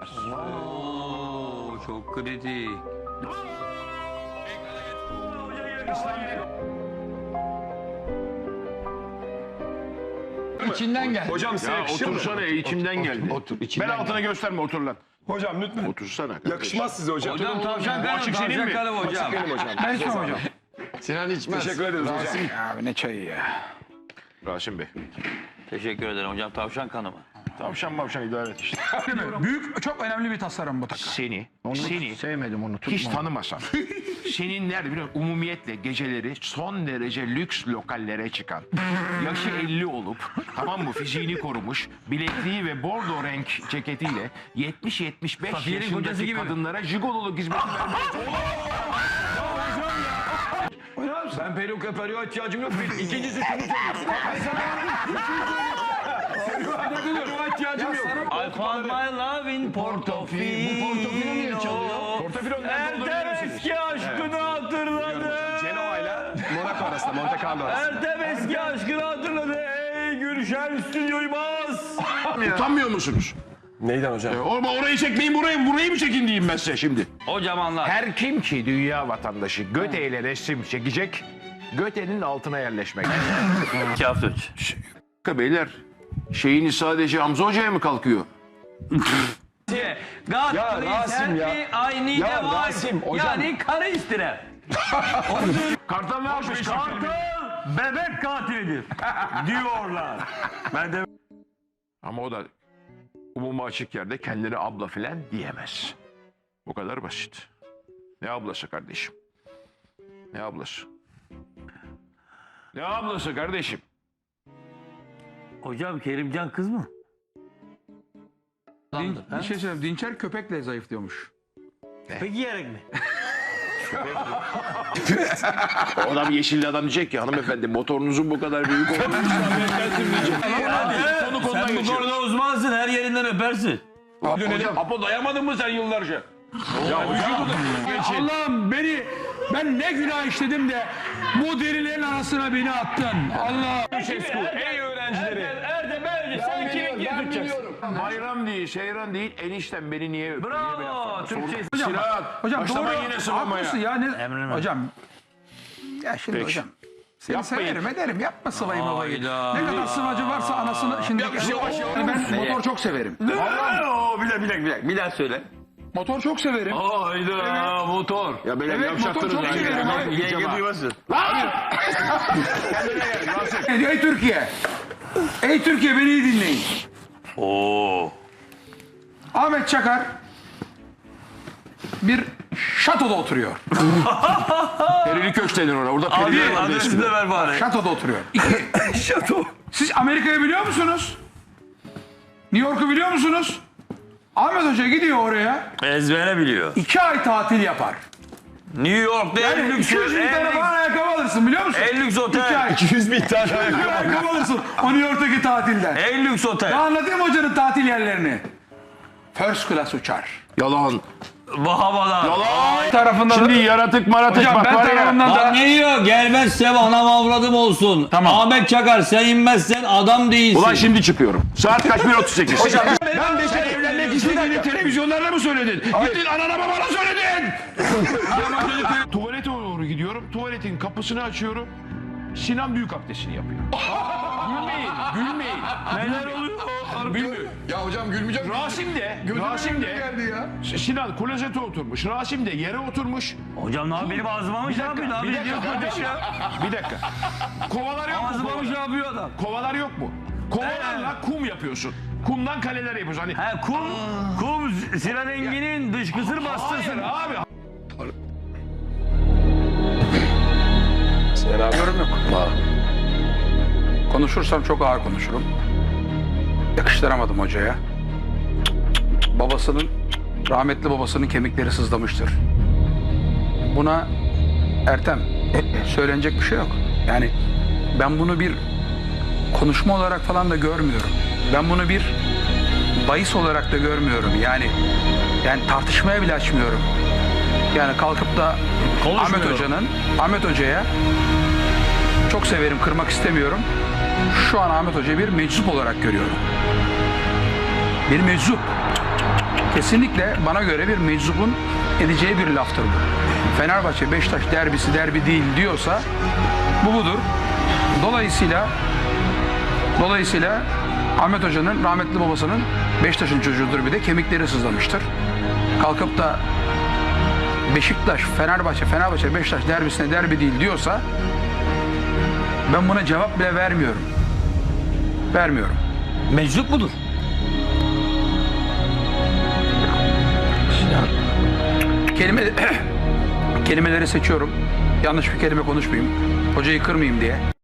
edemez. Oo, çok kritik. İçinden gel. Hocam size yakışır mı? Otursana içimden geldi. Otur. Bel İçinden altına gösterme, otur lan. Hocam lütfen. Otursana kardeşim. Yakışmaz size hocam. Hocam tavşan kanım, Açık senin tavşan mi? kanım hocam. Açık benim hocam. Ben içmem hocam. Sinan içmez. Teşekkür ederiz hocam. Abi ne çayı ya. Rasim Bey. Teşekkür ederim hocam, tavşan kanımı. Tavşan mavşan idare et işte. Büyük, çok önemli bir tasarım bu takım. Seni Sevmedim onu. hiç tanımasam. Senin nerede biliyor musun? Umumiyetle geceleri son derece lüks lokallere çıkan. Yaşı 50 olup tamam mı fiziğini korumuş. Bilekliği ve bordo renk ceketiyle 70-75 Safiye'nin kocası yaşındaki gibi mi? kadınlara jigololuk hizmeti vermeye Ben peruğa ihtiyacım yok. İkincisi şunu Peruğa ihtiyacım yok. I found my love in Portofino. Bu Portofino niye çalıyor? Portofino nerede olduğunu Ertem biliyor musunuz? eski aşkını hatırladı. Genoa ile Monaco arasında, Monte Carlo arasında. Ertem eski aşkını hatırladı. Ey Gülşen stüdyoyu bas. Utanmıyor musunuz? Neyden hocam? Orayı çekmeyin burayı mı çekin diyeyim ben size şimdi. Hocam anlat. Her kim ki dünya vatandaşı Göte ile resim çekecek, Göte'nin altına yerleşmek. 2 hafta önce. Beyler, şeyini sadece Hamza Hoca'ya mı kalkıyor? Ya Rasim ya. I need Ya a wife. Rasim, hocam. Yani karı istirem. Kartal ne yapmış? Kartal bebek katilidir diyorlar. Ben de Ama o da umuma açık yerde kendine abla filan diyemez. Bu kadar basit. Ne ablası kardeşim? Ne ablası? Ne ablası kardeşim? hocam Kerimcan kız mı? Bir şey söyleyeyim. Dinçer köpekle zayıflıyormuş. Peki yiyerek mi? O adam yeşilli adam diyecek ki hanımefendi motorunuzun bu kadar büyük olduğunu konu konudan Sen bu geçiyor. konuda uzmansın, her yerinden öpersin. Apo dayamadın mı sen yıllarca? Allah'ım ben ne günah işledim de bu derilerin arasına beni attın. Allah. Ey öğrencileri. Erdem sen kimin tutacaksın? Bayram değil, seyran değil, eniştem beni niye öptü? Bravo, Türkçe. Sinan, Hocam başlama doğru. yine sıvamaya. Haklısın ya. Emrine. Hocam. Ya şimdi Peki. hocam. Seni Yapmayın. severim ederim. Yapma sıvayı malayı. Hayda. Ne kadar sıvacı varsa anasını. Şimdi ben motor çok severim. Bir daha söyle. Motor çok severim. Hayda motor. Ya böyle Evet, yavşattınız motor çok lan. severim abi. Yenge duymasın. Ey Türkiye. Ey Türkiye beni iyi dinleyin. Oo. Ahmet Çakar bir şatoda oturuyor. Perili köşk denir ona. Orada perili vardı Adresini eskiden. de ver bari. Şatoda oturuyor. Şato. Siz Amerika'yı biliyor musunuz? New York'u biliyor musunuz? Ahmet Hoca gidiyor oraya. Ezbere biliyor. 2 ay tatil yapar. New York'ta en Yani lüks 200 bin tane falan ayakkabı alırsın biliyor musun? en lüks otel. 2 ay. 200 bin tane 200 bin ayakkabı alırsın o New York'taki tatilden. En lüks otel. Ya anlatayım hocanın tatil yerlerini. First class uçar. Yalan. Bahamalar. Yalan. Tarafında Şimdi yaratık maratık hocam bak ben var ya. tarafından Bak da ne diyor? Gelmezsem anam avradım olsun. Tamam. Ahmet Çakar sen inmezsen adam değilsin. Ulan şimdi çıkıyorum. Saat kaç? 1.38. Hocam Ben de sen evlenmek istediğini televizyonlarda mı söyledin? Gittin anana babana söyledin. Tuvalete doğru gidiyorum. Tuvaletin kapısını açıyorum. Sinan büyük abdestini yapıyor. Gülmeyin. Neler oluyor? Gülmüyor. Ya hocam gülmeyeceğim. Rasim de geldi ya. Sinan klozete oturmuş. Rasim de yere oturmuş. Hocam ne yapıyor? Benim ağzıma mı şey yapıyor? Ne Bir yapıyor? dakika kardeşim. Bir dakika. Kovalar yok mu? Ağzıma mı şey Kovalar? yapıyor adam? Kovalar yok mu? Kovalarla kum yapıyorsun. Kumdan kaleler yapıyorsun. Hani He kum Sinan Engin'in dışkısını bastırsın. hayır abi. yorum yok. Konuşursam çok ağır konuşurum. Yakıştıramadım hocaya. Rahmetli babasının kemikleri sızlamıştır. Buna Ertem söylenecek bir şey yok. Yani ben bunu bir konuşma olarak falan da görmüyorum. Ben bunu bir bahis olarak da görmüyorum. Yani tartışmaya bile açmıyorum. Yani kalkıp da Ahmet Hoca'ya çok severim, kırmak istemiyorum. Şu an Ahmet Hoca'yı bir meczup olarak görüyorum. Bir meczup. Kesinlikle bana göre bir meczubun edeceği bir laftır bu. Fenerbahçe Beşiktaş derbisi derbi değil diyorsa bu budur. Dolayısıyla Ahmet Hoca'nın rahmetli babasının Beşiktaş'ın çocuğudur, bir de kemikleri sızlamıştır. Kalkıp da Beşiktaş, Fenerbahçe, Beşiktaş derbisine derbi değil diyorsa ben buna cevap bile vermiyorum. Vermiyorum. Meczup mudur? Kelimeleri seçiyorum. Yanlış bir kelime konuşmayayım. Hocayı kırmayayım diye.